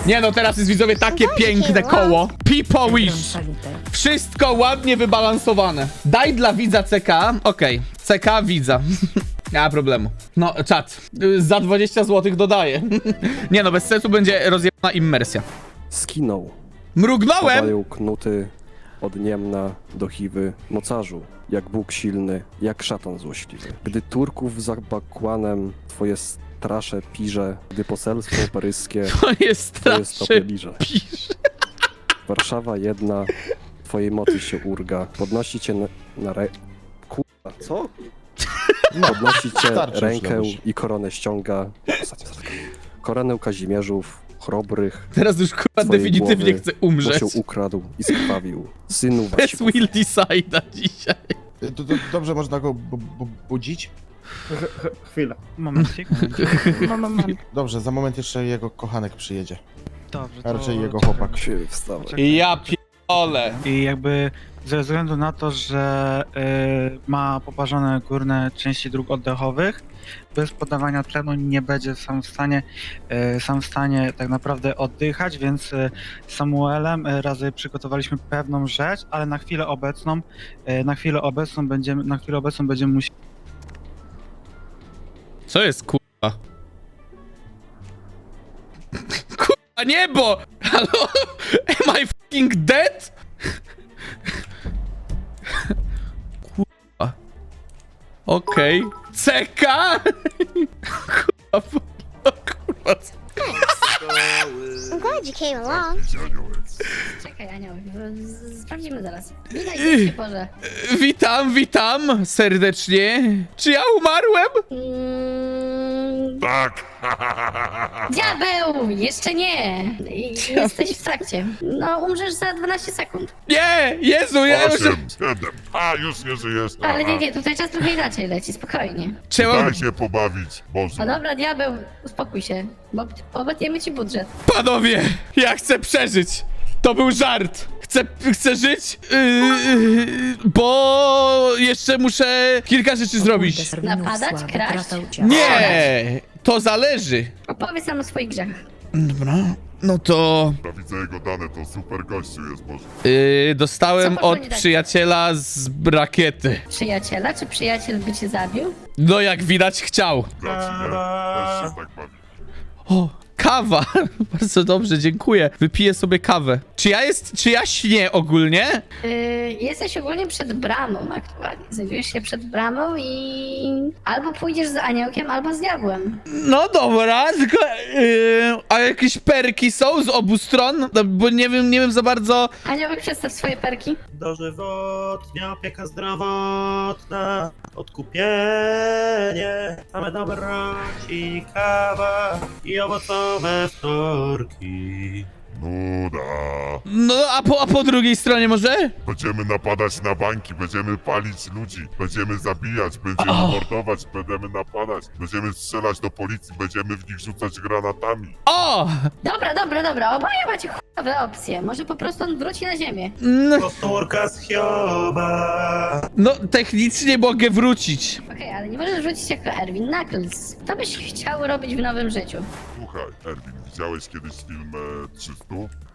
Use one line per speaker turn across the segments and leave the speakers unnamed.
Nie no, teraz jest widzowie takie piękne koło. People wish. Wszystko ładnie wybalansowane. Daj dla widza CK. Okej, CK widza. Nie ma problemu. No, czat. Za 20 zł dodaję. Nie no, bez sensu będzie rozjebana immersja.
Skinął.
Mrugnąłem!
Padają knuty od Niemna do Chiwy, mocarzu, jak Bóg silny, jak szatan złośliwy. Gdy Turków za bakłanem twoje strasze pirze, gdy poselstwo paryskie
To jest
twoje stopy
strasznie
liże.
pisze.
Warszawa jedna, twojej mocy się urga, podnosi cię na Kurwa, co? Podnosi cię
Starczy już,
rękę
Lebuś.
i koronę ściąga. Ostatnia zatka. Koronę Kazimierzów, chrobrych,
Teraz już kurwa
twojej
definitywnie
głowy,
chcę umrzeć.
bo się ukradł i skrwawił. Synu
Bez
Wasików.
will decide'a dzisiaj.
Dobrze można go budzić?
Chwilę. Momencik.
Dobrze, za moment jeszcze jego kochanek przyjedzie.
Dobrze,
A raczej jego
czekaj.
chłopak.
Się wstawaj.
Ja pierdolę.
I jakby ze względu na to, że ma poparzone górne części dróg oddechowych, bez podawania tlenu nie będzie sam w stanie tak naprawdę oddychać, więc z Samuelem razy przygotowaliśmy pewną rzecz, ale na chwilę obecną będziemy musieli.
Co jest kurwa? Kurwa niebo! Halo? Am I fucking dead? Kurwa. Okej. CK? Kurwa. Kurwa.
I'm glad you came along.
Czekaj, Anioł, sprawdzimy zaraz. Witaj, się Boże.
Witam serdecznie. Czy ja umarłem?
Tak!
Diabeł! Jeszcze nie! Jesteś w trakcie. No, umrzesz za 12 sekund.
Nie! Jezu, ja muszę...
8, 7. A, już nie żyjesz.
Ale nie, tutaj czas trochę inaczej leci, spokojnie.
Trzeba...
Daj się pobawić, Boże.
No dobra, diabeł, uspokój się, bo obetniemy ci budżet.
Panowie, ja chcę przeżyć. To był żart. Chcę żyć, bo jeszcze muszę kilka rzeczy zrobić.
Napadać, kraść?
Nie, to zależy.
Opowiedz nam o swoich grzechach.
Dobra, no to
Ja widzę jego dane, to super gościu jest, Boże.
dostałem
Co poszło
od
nie tak?
przyjaciela z rakiety.
Przyjaciela? Czy przyjaciel by cię zabił?
No jak widać chciał.
Grać, nie? Też się tak bawi.
O, kawa. Bardzo dobrze, dziękuję. Wypiję sobie kawę. Czy ja śnię ogólnie?
Jesteś ogólnie przed bramą aktualnie. Znajdujesz się przed bramą i albo pójdziesz z aniołkiem, albo z diabłem.
No dobra, tylko a jakieś perki są z obu stron? No, bo nie wiem za bardzo.
Aniołek, przedstaw swoje perki.
Dożywotnia opieka zdrowotna, odkupienie, same dobroci, kawa i owocowe wtorki.
Nuda.
No a po drugiej stronie może?
Będziemy napadać na banki, będziemy palić ludzi, będziemy zabijać, będziemy mordować, będziemy napadać, będziemy strzelać do policji, będziemy w nich rzucać granatami.
O!
Dobra, oboje macie chujowe opcje. Może po prostu on wróci na ziemię.
Powtórka z Hioba.
No technicznie mogę wrócić.
Okej, ale nie możesz wrócić jako Erwin Knuckles. Co byś chciał robić w nowym życiu?
Słuchaj, Erwin, widziałeś kiedyś film 300?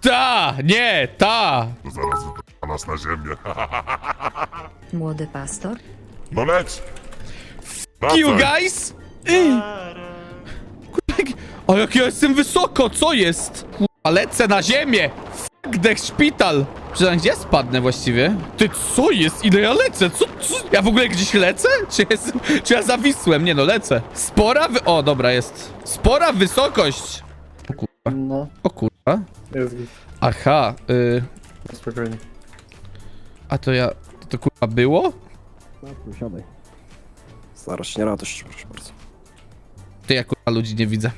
Ta!
To zaraz wypra nas na ziemię.
Młody pastor?
No leć!
You
Wracaj.
guys? O jak ja jestem wysoko, co jest? Kurwa, lecę na ziemię! Fuck the szpital! Przynajmniej gdzie ja spadnę właściwie? Ty, co jest? Ile ja lecę? Co? Ja w ogóle gdzieś lecę? Czy ja zawisłem? Nie no, lecę. O, dobra, jest. Spora wysokość! O kurwa.
No,
O kurwa.
jest
Aha,
spokojnie.
a to to kurwa było?
Siadaj. Zarośnie radość, proszę bardzo.
To ja kurwa ludzi nie widzę.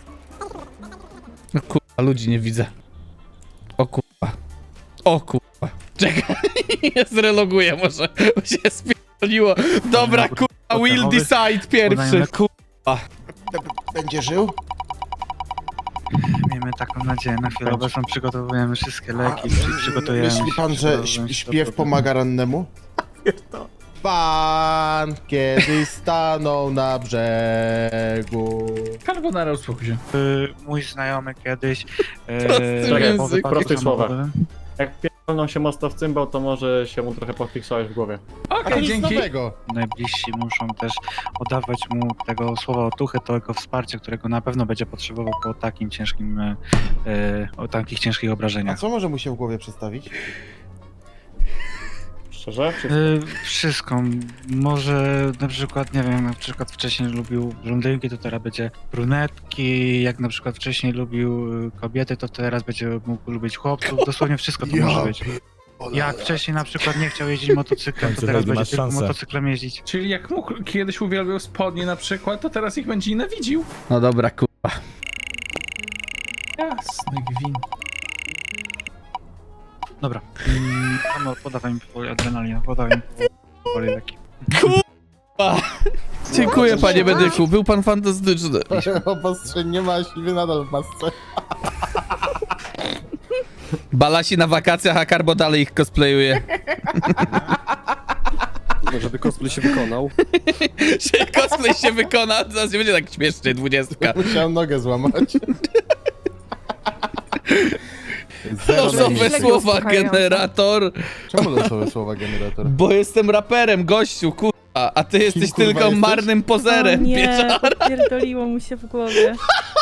No kurwa, ludzi nie widzę. O kurwa. O kurwa. Czekaj, ja zreloguję może, bo się spierdoliło. Dobra, kurwa, will decide pierwszy, kurwa.
Będzie żył?
Miejmy taką nadzieję. Na chwilę obecną przygotowujemy wszystkie leki, przygotujemy
Myśli pan, że śpiew pomaga rannemu? pan kiedyś stanął na brzegu.
Carbonara, uspokój się.
Mój znajomy kiedyś...
Prosty
po
język.
wypadku
Prostych słowach.
samochodowym.
Jak pierdolną się mocno w cymbał, to może się mu trochę pofiksowałeś w głowie.
A to nic nowego.
Najbliżsi muszą też oddawać mu tego słowa otuchy, tego wsparcia, którego na pewno będzie potrzebował po takim ciężkim, o takich ciężkich
A
obrażeniach.
co może mu się w głowie przedstawić?
Szczerze?
Wszystko. Może na przykład, nie wiem, na przykład wcześniej lubił blondynki, to teraz będzie brunetki, jak na przykład wcześniej lubił kobiety, to teraz będzie mógł lubić chłopców. Dosłownie wszystko to może być. Jak wcześniej na przykład nie chciał jeździć motocyklem, to teraz będzie tylko motocyklem jeździć.
Czyli jak mógł, kiedyś uwielbiał spodnie na przykład, to teraz ich będzie nienawidził. No dobra, kurwa. Jasny gwint.
Dobra. Amor, podawaj mi powoli adrenalinę, podawaj mi powoli leki.
Dziękuję, panie medyku, był pan fantastyczny.
Obostrzeń nie ma, siwy nadal w masce.
Balasi na wakacjach, a Karbo dalej ich cosplayuje.
No, żeby cosplay się wykonał.
Że cosplay się wykona, zaraz nie będzie tak śmiesznie, 20.
Musiałem nogę złamać.
Losowe słowa, generator.
Czemu losowe słowa generator?
Bo jestem raperem, gościu, kurwa. A ty jesteś
kurwa,
tylko
jesteś?
marnym pozerem,
nie,
pieczara.
pierdoliło mu się w głowie.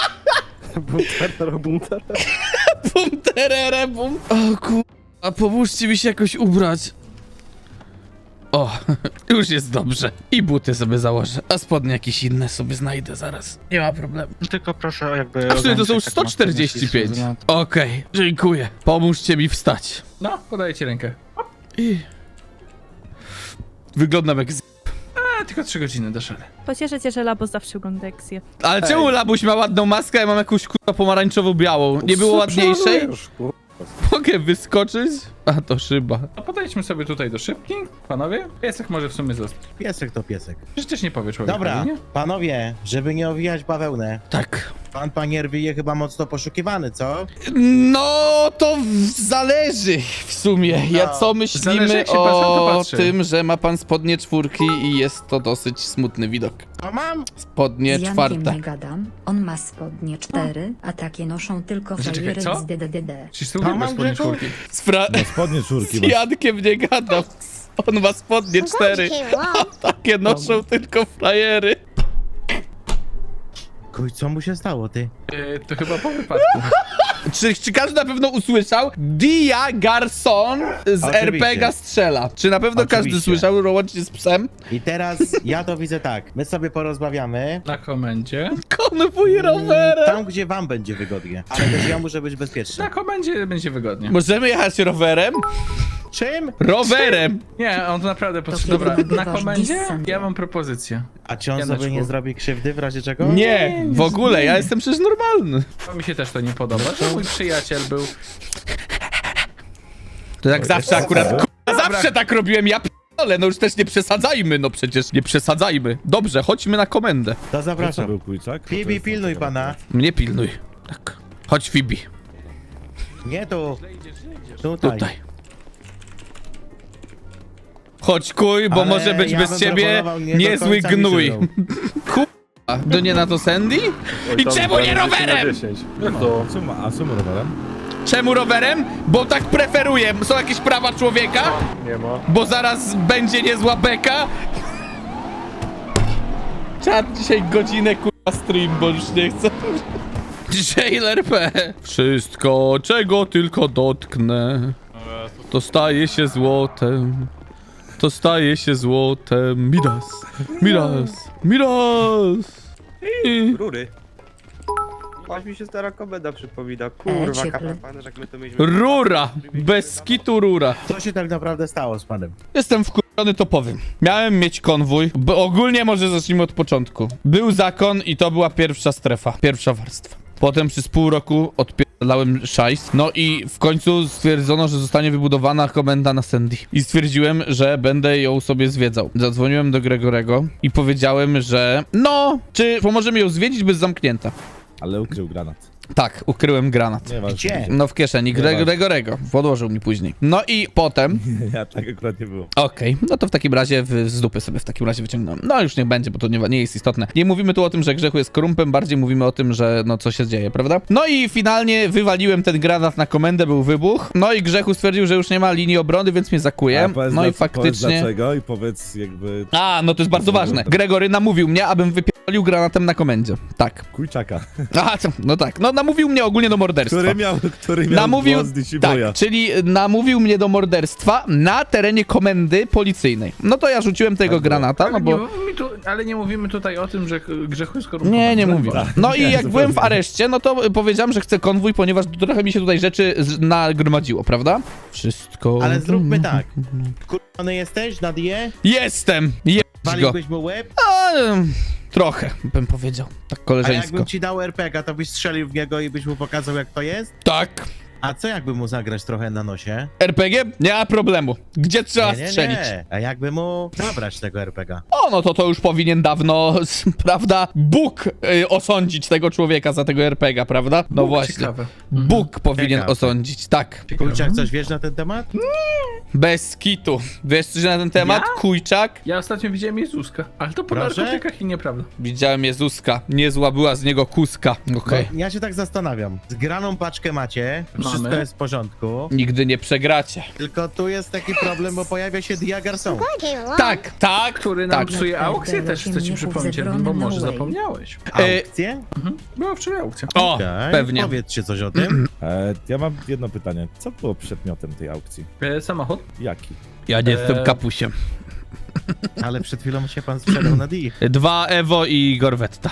Bunter.
Bum, terere, bum. O kurwa, pomóżcie mi się jakoś ubrać. O, już jest dobrze. I buty sobie założę, a spodnie jakieś inne sobie znajdę zaraz. Nie ma problemu.
Tylko proszę jakby...
A w sumie to są już
ogarnąć taką
145.
aktywność.
Okej, dziękuję. Pomóżcie mi wstać. No, podaję ci rękę. I... Wyglądam jak z... A, tylko 3 godziny do szale.
Pocieszę cię, że Labo zawsze ogląda Eksję.
Ale czemu Labuś ma ładną maskę, a ja mam jakąś kurwa pomarańczowo-białą? Nie było ładniejszej? Mogę wyskoczyć? A, to szyba. A podejdźmy sobie tutaj do szybki, panowie. Piesek może w sumie zostać.
Piesek to piesek.
Przecież nie powie człowiek.
Dobra,
nie?
panowie, żeby nie owijać bawełnę.
Tak.
Pan Panierwy je chyba mocno poszukiwany, co?
No, to zależy w sumie. Ja co
Zależy,
myślimy
jak się pan na to
o
patrzy.
tym, że ma pan spodnie 4 i jest to dosyć smutny widok.
To mam.
Spodnie
Z
4.
Jankiem nie gadam, on ma spodnie 4, a takie noszą tylko
Czekaj,
frajery
co?
z DDD.
Czyż to
uwielbia spodnie czwórki?
Spodnie
Z Jankiem nie gadam. On ma spodnie
I'm glad
4.
you came along.
Takie noszą tylko frajery.
Kuj, co mu się stało, ty?
To chyba po wypadku. Czy każdy na pewno usłyszał? Dia Garson z
Oczywiście.
RPG strzela. Czy na pewno każdy
Oczywiście.
słyszał, łącznie z psem?
I teraz ja to widzę tak. My sobie porozmawiamy.
Na komendzie. Konwój rowerem.
Tam, gdzie wam będzie wygodnie. Ale też ja muszę być bezpieczny.
Na komendzie będzie wygodnie. Możemy jechać rowerem?
Czym?
Rowerem! Nie, on naprawdę potrzebuje. Dobra,
kiedy
na
nagrywasz
komendzie
dissent?
ja mam propozycję.
A czy on
Janeczku.
sobie nie zrobi krzywdy w razie czego?
Nie, w ogóle, ja jestem przecież normalny. To mi się też to nie podoba, że mój przyjaciel był... To jak zawsze akurat, zawsze tak robiłem, ja p***ole, no już też nie przesadzajmy, no przecież nie przesadzajmy. Dobrze, chodźmy na komendę.
To zapraszam. Fibi, pilnuj pana.
Mnie pilnuj. Tak. Chodź, Fibi.
Nie tu. Tutaj.
Tutaj. Chodź, kuj, bo
Ale
może być
ja
bez
bym
ciebie
proponował nie do
niezły
końca mi
gnój.
żydą.
Kurwa, to nie na to Sandy? I czemu nie rowerem?
A co rowerem?
Czemu rowerem? Bo tak preferuję. Są jakieś prawa człowieka?
Nie ma.
Bo zaraz będzie niezła beka? Czad dzisiaj godzinę kurwa stream, bo już nie chcę. Jailer P. Wszystko, czego tylko dotknę, to staje się złotem. To staje się złotem. Midas. Midas. Midas. I...
Rury. Aż mi się stara komenda przypomina.
Kurwa, cieple.
kapelane, jak my to mieliśmy.
Rura. Bez skitu rura.
Co się tak naprawdę stało z panem?
Jestem wkurzony, to powiem. Miałem mieć konwój, bo ogólnie może zacznijmy od początku. Był zakon i to była pierwsza strefa, pierwsza warstwa. Potem przez pół roku odpierdalałem szajs. No i w końcu stwierdzono, że zostanie wybudowana komenda na Sandy. I stwierdziłem, że będę ją sobie zwiedzał. Zadzwoniłem do Gregorego i powiedziałem, że no, czy pomoże mi ją zwiedzić, bez zamknięta.
Ale ukrył granat.
Tak, ukryłem granat.
Gdzie?
No w kieszeni Gregorego. Odłożył mi później. No i potem...
Ja tak akurat nie było.
Okej, no to w takim razie z dupy sobie w takim razie wyciągnąłem. No już niech będzie, bo to nie jest istotne. Nie mówimy tu o tym, że Grzechu jest korumpem, bardziej mówimy o tym, że no co się dzieje, prawda? No i finalnie wywaliłem ten granat na komendę, był wybuch. No i Grzechu stwierdził, że już nie ma linii obrony, więc mnie zakuje. No i faktycznie...
Powiedz dlaczego i powiedz jakby...
A, no to jest bardzo ważne. Gregory namówił mnie, abym wypierdolił granatem na komendzie. Tak.
Kujczaka.
A, no tak. No namówił mnie ogólnie do morderstwa.
Który miał głos Disiboya.
Tak, czyli namówił mnie do morderstwa na terenie komendy policyjnej. No to ja rzuciłem tego granata, no bo...
Ale nie mówimy tutaj o tym, że Grzechu jest korumpowany.
Nie mówię. No i jak byłem w areszcie, no to powiedziałem, że chcę konwój, ponieważ trochę mi się tutaj rzeczy nagromadziło, prawda? Wszystko...
Ale zróbmy tak. Kurwany jesteś na die?
Jestem! Jebać go.
Waliłbyś mu łeb?
A, trochę, bym powiedział. Tak
A
koleżeńsko.
jakbym ci dał RPG, to byś strzelił w niego i byś mu pokazał, jak to jest?
Tak.
A co jakby mu zagrać trochę na nosie?
RPG? Nie ma problemu. Gdzie trzeba strzelić?
Nie. A jakby mu zabrać tego RPG?
O, no to już powinien dawno, prawda, Bóg osądzić tego człowieka za tego RPG, prawda? No
Bóg,
właśnie.
ciekawe.
Bóg powinien
Ciekawe.
osądzić, tak.
Kurczak, coś wiesz na ten temat?
Bez kitu. Wiesz coś na ten temat?
Ja?
Kujczak?
Ja ostatnio widziałem Jezuska, ale to po
Proszę?
narkotykach i nieprawda.
Widziałem Jezuska. Niezła była z niego kuska. Okej.
Bo ja się tak zastanawiam. Zgraną paczkę macie, wszystko
Mamy.
jest w porządku,
Nigdy nie przegracie.
tylko tu jest taki problem, bo pojawia się Dia Garçon.
Glad I came along.
Tak.
Który nam
Tak.
psuje aukcję, też chcę ci przypomnieć, Erwin, bo może zapomniałeś.
Aukcje?
Była wczoraj aukcja.
O,
Okej,
pewnie.
Powiedzcie coś o tym.
Ja mam jedno pytanie. Co było przedmiotem tej aukcji?
Samochód?
Jaki?
Ja nie jestem kapusiem.
Ale przed chwilą się pan sprzedał na Dii.
2 Evo i Gorwetta.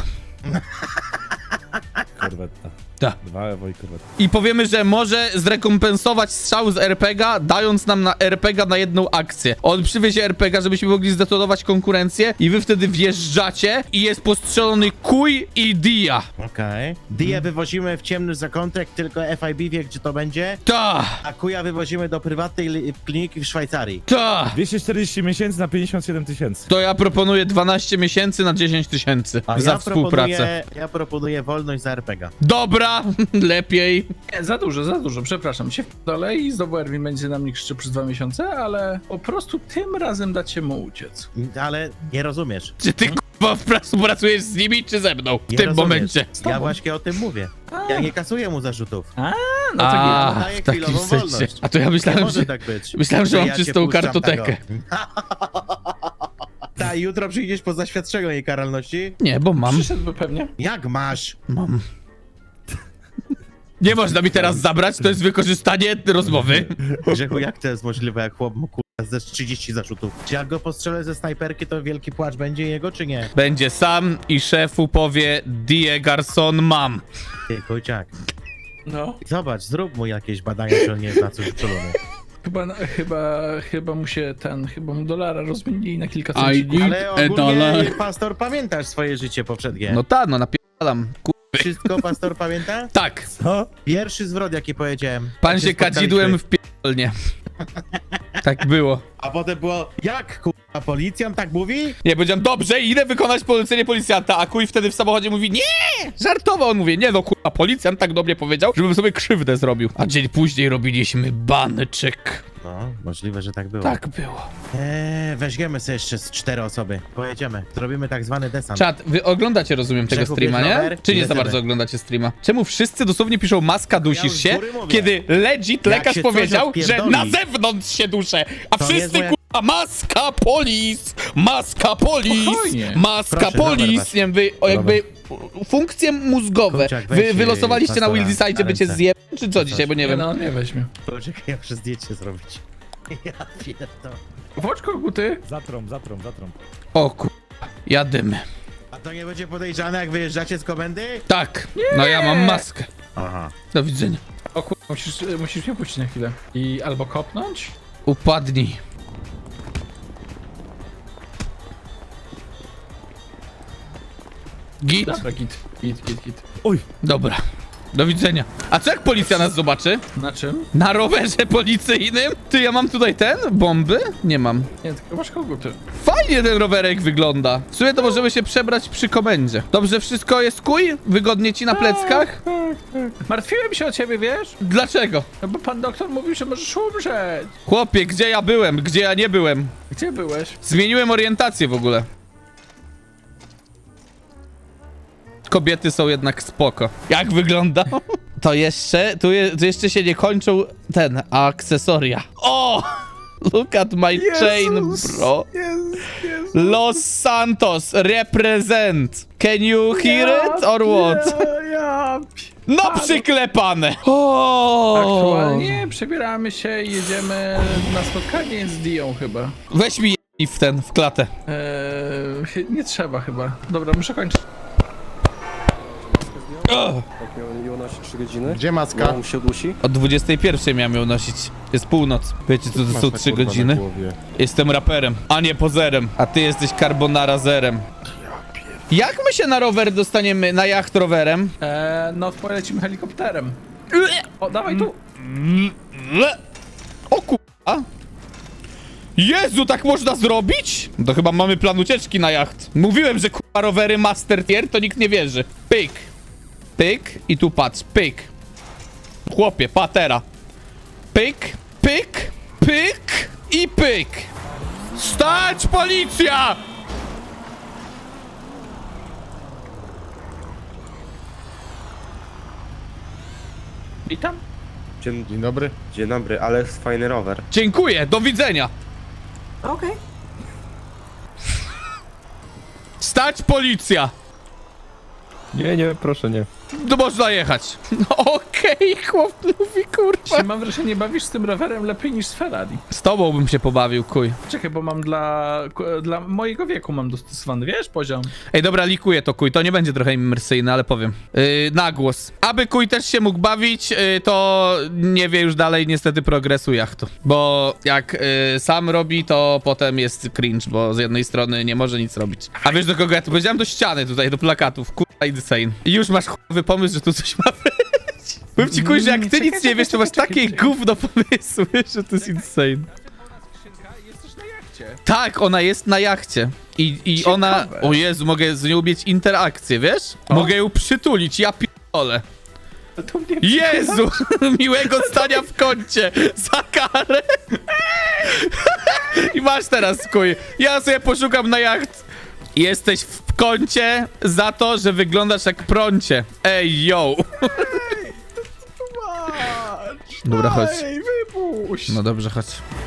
Korwetta.
Tak.
2 Evo i korwetta.
I powiemy, że może zrekompensować strzał z RPG, dając nam na RPG na jedną akcję. On przywiezie RPG, żebyśmy mogli zdetonować konkurencję i wy wtedy wjeżdżacie i jest postrzelony Kuj i Dia.
Okej. Dię wywozimy w ciemny zakątek, tylko FIB wie, gdzie to będzie.
Ta,
A kuja wywozimy do prywatnej kliniki w Szwajcarii.
ta.
240 miesięcy na 57 000.
To ja proponuję 12 miesięcy na 10 000
A
za
ja
współpracę.
proponuję wolność za RPG.
Dobra, lepiej.
Nie, za dużo, przepraszam. Się dole i znowu Erwin będzie na mnie krzyczy przez 2 miesiące, ale po prostu tym razem dacie mu uciec.
Ale nie rozumiesz.
Czy ty k***a współpracujesz z nimi, czy ze mną w
Nie
tym
rozumiesz.
momencie?
Ja właśnie o tym mówię. Ja nie kasuję mu zarzutów.
No to
A,
daję
w takim
chwilową
sensie.
wolność.
A to ja
Nie
myślałem,
może
że...
tak być.
Myślałem, że mam
Ja cię
czystą
puszczam
kartotekę.
Ta, jutro przyjdziesz po zaświadczeniu jej karalności?
Nie, bo mam.
przyszedłby pewnie.
Jak masz?
Mam. Nie można mi teraz zabrać, to jest wykorzystanie rozmowy.
Grzechu, jak to jest możliwe, jak chłop ma ze 30 zarzutów? Czy jak go postrzelę ze snajperki, to wielki płacz będzie jego, czy nie?
Będzie sam i szefu powie Die Garçon mam.
Ty, Kojciak,
No.
zobacz, zrób mu jakieś badania, czy on nie jest na coś uczulony.
Chyba mu się chyba mu dolara rozmienili na kilka
I
centów.
Ale ogólnie, pastor, pamiętasz swoje życie poprzednie?
No tak, no napierdalam.
Wszystko pastor pamięta?
Tak,
Co?
Pierwszy zwrot, jaki powiedziałem.
pan
jak
się
spotkaliśmy.
kadzidłem w pierdolnie. Tak było.
A potem było, jak kurwa, policjant tak mówi?
Nie, powiedziałem, dobrze, idę wykonać polecenie policjanta, a Kuj wtedy w samochodzie mówi, nie, żartował. On mówi, nie no kurwa, policjant tak do mnie powiedział, żebym sobie krzywdę zrobił. A dzień później robiliśmy banczyk.
No, możliwe, że tak było.
Tak było.
Weźmiemy sobie jeszcze z 4 osoby. Pojedziemy. Zrobimy tak zwany desant.
Czat, wy oglądacie, rozumiem, tego
Grzechu,
streama,
bierz
nie?
rower
Czy
i
nie za
lecimy.
bardzo oglądacie streama? Czemu wszyscy dosłownie piszą maska dusisz
już z
się,
góry mówię.
kiedy legit
Jak
lekarz
się coś
powiedział, że
odpierdoli,
na zewnątrz się duszę, a
to nie jest
wszyscy
moja-
kurwa maska polis, maska polis,
Spokojnie.
maska
Proszę,
polis,
Robert,
nie wiem, wy jakby funkcje mózgowe.
Kurczak, weź,
Wy wylosowaliście na
pastora
Wildy-Side,
na
by cię
ręce.
zjeb, czy co dzisiaj, bo nie wiem.
No, nie weźmie.
Poczekaj, ja muszę zdjęcie zrobić. Ja pierdolę.
Włącz koguty.
Zatrąb.
O kurwa, jadymy.
A to nie będzie podejrzane, jak wyjeżdżacie z komendy?
Tak, no ja mam maskę.
Aha.
Do widzenia.
O kurwa, musisz mnie puścić na chwilę. I albo kopnąć?
Upadnij. Git?
Dobra, git.
Oj,
Dobra. Do widzenia. A co jak policja nas zobaczy?
Na czym?
Na rowerze policyjnym? Ty, ja mam tutaj bomby? Nie mam.
Nie, tylko masz koguty.
Fajnie! fajnie ten rowerek wygląda. W sumie to możemy się przebrać przy komendzie. Dobrze, wszystko jest kuj? Wygodnie ci na pleckach?
Martwiłem się o ciebie, wiesz?
Dlaczego?
No bo pan doktor mówił, że możesz umrzeć.
Chłopie, gdzie ja byłem? Gdzie ja nie byłem?
Gdzie byłeś?
Zmieniłem orientację w ogóle. Kobiety są jednak spoko. Jak wygląda? To jeszcze, tu jeszcze się nie kończą akcesoria. O! Look at my chain, bro. Los Santos represent. Can you hear it or what? No przyklepane! O!
Aktualnie przebieramy się i jedziemy na spotkanie z Dią chyba.
Weź mi w klatę.
Nie trzeba chyba. Dobra, muszę kończyć.
Jak miałem ją nosić 3 godziny?
Gdzie maska?
On się dusi?
Od 21 miałem ją nosić. Jest północ. Wiecie co to są
Maska,
3
kurwa, na
godziny?
głowie.
Jestem raperem, a nie pozerem. A ty jesteś carbonara zerem. Jak my się na rower dostaniemy, na jacht rowerem?
No polecimy helikopterem. O, dawaj tu.
O kurwa. Jezu, tak można zrobić? To chyba mamy plan ucieczki na jacht. Mówiłem, że kurwa rowery master tier, to nikt nie wierzy. Pyk. Pyk i tu patrz, pyk. Chłopie, patera. Pyk, pyk, pyk i pyk. Stać, policja!
Witam.
Dzień dobry.
Dzień dobry, ale jest fajny rower.
Dziękuję, do widzenia.
Okay.
Stać, policja!
Nie, proszę nie.
To można jechać. No okej, chłop mówi, kurwa.
Się mam wrażenie, bawisz z tym rowerem lepiej niż z Ferrari.
Z tobą bym się pobawił, kuj.
Czekaj, bo mam dla mojego wieku mam dostosowany, wiesz, poziom.
Ej, dobra, likuję to, kuj. To nie będzie trochę imersyjne, ale powiem. Na głos. Aby kuj też się mógł bawić, to nie wie już dalej niestety progresu jachtu. Bo jak sam robi, to potem jest cringe, bo z jednej strony nie może nic robić. A wiesz do kogo ja to powiedziałem? Do ściany tutaj, do plakatów. Kurwa, insane. I już masz chujowy pomysł, że tu coś ma być. Powiem ci, kuj, że jak ty nic nie wiesz, to masz takie gówno pomysły, że to jest insane.
Jest też na jachcie.
Tak, ona jest na jachcie. I ona... O Jezu, mogę z nią mieć interakcję, wiesz? Mogę ją przytulić, ja p***ole.
To mnie
Jezu! Miłego stania w kącie! Za karę! I masz teraz, kuj. Ja sobie poszukam na jacht. Jesteś w kącie za to, że wyglądasz jak prącie. Ej, yo! Dobra, chodź.
Ej, wypuść!
No dobrze, chodź.